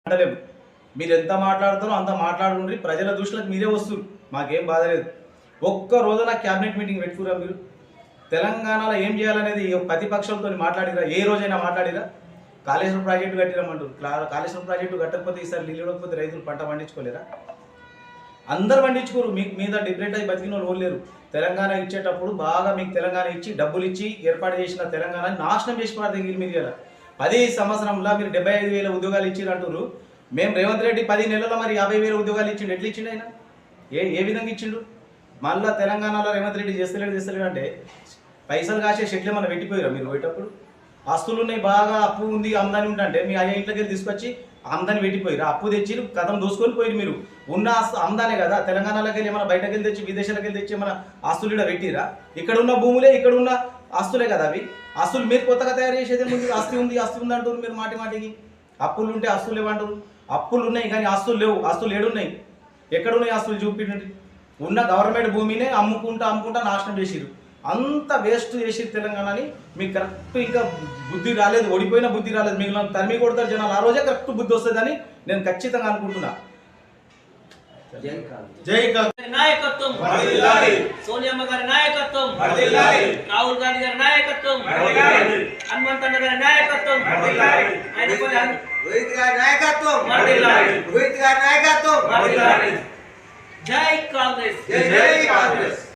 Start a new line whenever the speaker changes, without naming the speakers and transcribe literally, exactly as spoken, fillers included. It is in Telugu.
అంటలేము. మీరు ఎంత మాట్లాడుతారో అంత మాట్లాడుకుంటే ప్రజల దృష్టిలోకి మీరే వస్తారు. మాకేం బాధ లేదు. ఒక్క రోజున క్యాబినెట్ మీటింగ్ పెట్టుకురా మీరు? తెలంగాణలో ఏం చేయాలనేది ప్రతిపక్షాలతో మాట్లాడిరా? ఏ రోజైనా మాట్లాడిరా? కాళేశ్వరం ప్రాజెక్టు కట్టిరమంటారు. కాళేశ్వరం ప్రాజెక్టు కట్టకపోతే ఈసారి నీళ్ళు ఇవ్వకపోతే రైతులు పంట పండించుకోలేరా? అందరు పండించుకోరు. మీకు మీద డిఫరెంట్ అయి బతికిన వాళ్ళు లేరు. తెలంగాణ ఇచ్చేటప్పుడు బాగా మీకు తెలంగాణ ఇచ్చి డబ్బులు ఇచ్చి ఏర్పాటు చేసిన తెలంగాణని నాశనం చేసి పడతాయి మీరు కదా. పది సంవత్సరంలో మీరు డెబ్బై ఐదు వేల ఉద్యోగాలు ఇచ్చిరు అంటారు. మేము రేవంత్ రెడ్డి పది నెలల్లో మరి యాభై వేల ఉద్యోగాలు ఇచ్చిండు. ఎట్లా ఇచ్చిండు ఆయన? ఏ ఏ విధంగా ఇచ్చిండు? మళ్ళీ తెలంగాణలో రేవంత్ రెడ్డి చేస్తలేడు చేస్తలేడు అంటే పైసలు కాసే షెట్లు ఏమన్నా పెట్టిపోయారా మీరు పోయేటప్పుడు? ఆస్తులు ఉన్నాయి, బాగా అప్పు ఉంది, ఆమ్దాని ఉంటే మీ అయ్యా ఇంట్లోకి వెళ్ళి తీసుకొచ్చి ఆమ్దాని పెట్టిపోయారు. అప్పు తెచ్చి కథం దోసుకొని పోయి మీరు ఉన్న ఆస్తు ఆమ్దానే కదా. తెలంగాణలోకి వెళ్ళి ఏమైనా బయటకు వెళ్ళి తెచ్చి విదేశాలకు వెళ్ళి తెచ్చి ఏమైనా ఆస్తులు ఇక్కడ పెట్టిరా? ఇక్కడ ఉన్న భూములే ఇక్కడ ఉన్న ఆస్తులే కదా అవి. ఆస్తులు మీరు కొత్తగా తయారు చేసేదే ముందు. ఆస్తి ఉంది ఆస్తి ఉంది అంటారు మీరు మాటి మాటికి. అప్పులు ఉంటే ఆస్తులు లేవంటారు. అప్పులు ఉన్నాయి కానీ ఆస్తులు లేవు. ఆస్తులు ఏడున్నాయి? ఎక్కడున్నాయి ఆస్తులు చూపించండి. ఉన్న గవర్నమెంట్ భూమినే అమ్ముకుంటా అమ్ముకుంటా నాశనం చేసిరు. అంత వేస్ట్ చేసి తెలంగాణని మీకు కరెక్ట్ ఇంకా బుద్ధి రాలేదు. ఓడిపోయిన బుద్ధి రాలేదు. మిగిలిన తరిమి కొడతారు జనాలు. ఆ రోజే కరెక్ట్ బుద్ధి వస్తుందని నేను ఖచ్చితంగా అనుకుంటున్నా. జై
నాయకత్వం, సోనియమ్మ గారి నాయకత్వం, రాహుల్ గాంధీ గారి నాయకత్వం, హనుమంతన్న గారి నాయకత్వం,
రోహిత్ గారి నాయకత్వం, రోహిత్ గారి నాయకత్వం.
జై కాంగ్రెస్.
జై కాంగ్రెస్.